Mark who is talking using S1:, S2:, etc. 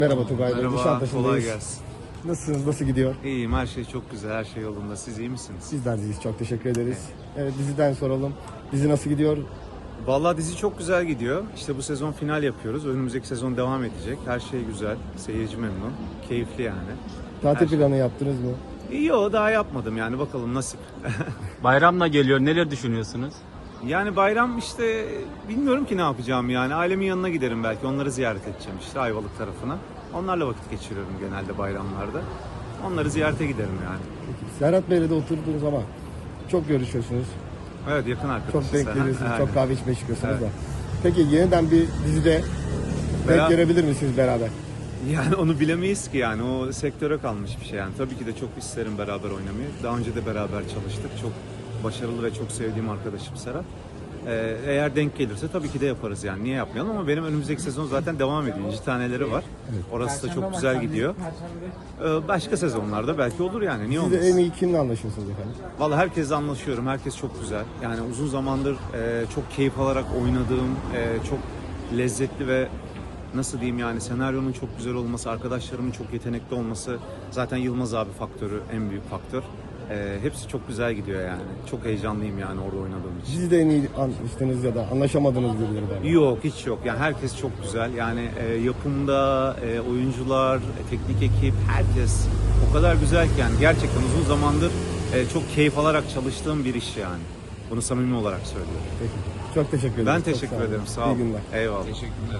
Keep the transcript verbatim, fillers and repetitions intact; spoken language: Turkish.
S1: Merhaba Tugay Bey,
S2: Merhaba,
S1: Nişantaşı'ndayız.
S2: kolay gelsin.
S1: Nasılsınız, nasıl gidiyor?
S2: İyiyim, her şey çok güzel, her şey yolunda. Siz iyi misiniz?
S1: Sizler deyiz, çok teşekkür ederiz. Evet, diziden soralım. Dizi nasıl gidiyor?
S2: Vallahi dizi çok güzel gidiyor. İşte bu sezon final yapıyoruz. Önümüzdeki sezon devam edecek. Her şey güzel, seyirci memnun, keyifli yani.
S1: Tatil
S2: Her şey-
S1: planı yaptınız mı?
S2: Yok, daha yapmadım yani, bakalım nasip.
S3: Bayramla geliyor. Neler düşünüyorsunuz?
S2: Yani bayram işte bilmiyorum ki ne yapacağım yani. Ailemin yanına giderim belki, onları ziyaret edeceğim işte Ayvalık tarafına. Onlarla vakit geçiriyorum genelde bayramlarda. Onları ziyarete giderim yani.
S1: Peki, Serhat Bey'le de oturdunuz ama çok görüşüyorsunuz.
S2: Evet, yakın arkadaşız.
S1: Çok denk
S2: Aha,
S1: geliyorsunuz,
S2: aynen.
S1: çok kahve içmeye çıkıyorsunuz
S2: Evet.
S1: da. Peki yeniden bir dizide denk
S2: Bera-
S1: gelebilir misiniz beraber?
S2: Yani onu bilemeyiz ki yani, o sektöre kalmış bir şey yani. Tabii ki de çok isterim beraber oynamayı. Daha önce de beraber çalıştık. Çok başarılı ve çok sevdiğim arkadaşım Serhat. Ee, eğer denk gelirse tabii ki de yaparız yani. Niye yapmayalım, ama benim önümüzdeki sezon zaten devam ediyor. İnci taneleri var. Orası da çok güzel gidiyor. Ee, başka sezonlarda belki olur yani. Niye
S1: Siz de
S2: olmasın?
S1: en iyi kimle anlaşıyorsunuz efendim?
S2: Vallahi herkesle anlaşıyorum. Herkes çok güzel. Yani uzun zamandır e, çok keyif alarak oynadığım, e, çok lezzetli ve nasıl diyeyim yani, senaryonun çok güzel olması, arkadaşlarımın çok yetenekli olması, zaten Yılmaz abi faktörü en büyük faktör. E, hepsi çok güzel gidiyor yani. Çok heyecanlıyım yani orada oynadığım için.
S1: Dizide en iyi anlaştığınız ya da anlaşamadığınız birileri var mı?
S2: Yok, hiç yok. Yani herkes çok güzel. Yani e, yapımda, e, oyuncular, e, teknik ekip, herkes o kadar güzel ki yani, gerçekten uzun zamandır e, çok keyif alarak çalıştığım bir iş yani. Bunu samimi olarak söylüyorum.
S1: Peki. Çok teşekkür ederim.
S2: Ben
S1: Çok
S2: teşekkür
S1: sağ olun.
S2: ederim. Sağ
S1: İyi
S2: olun.
S1: günler.
S2: Eyvallah.
S3: Teşekkürler.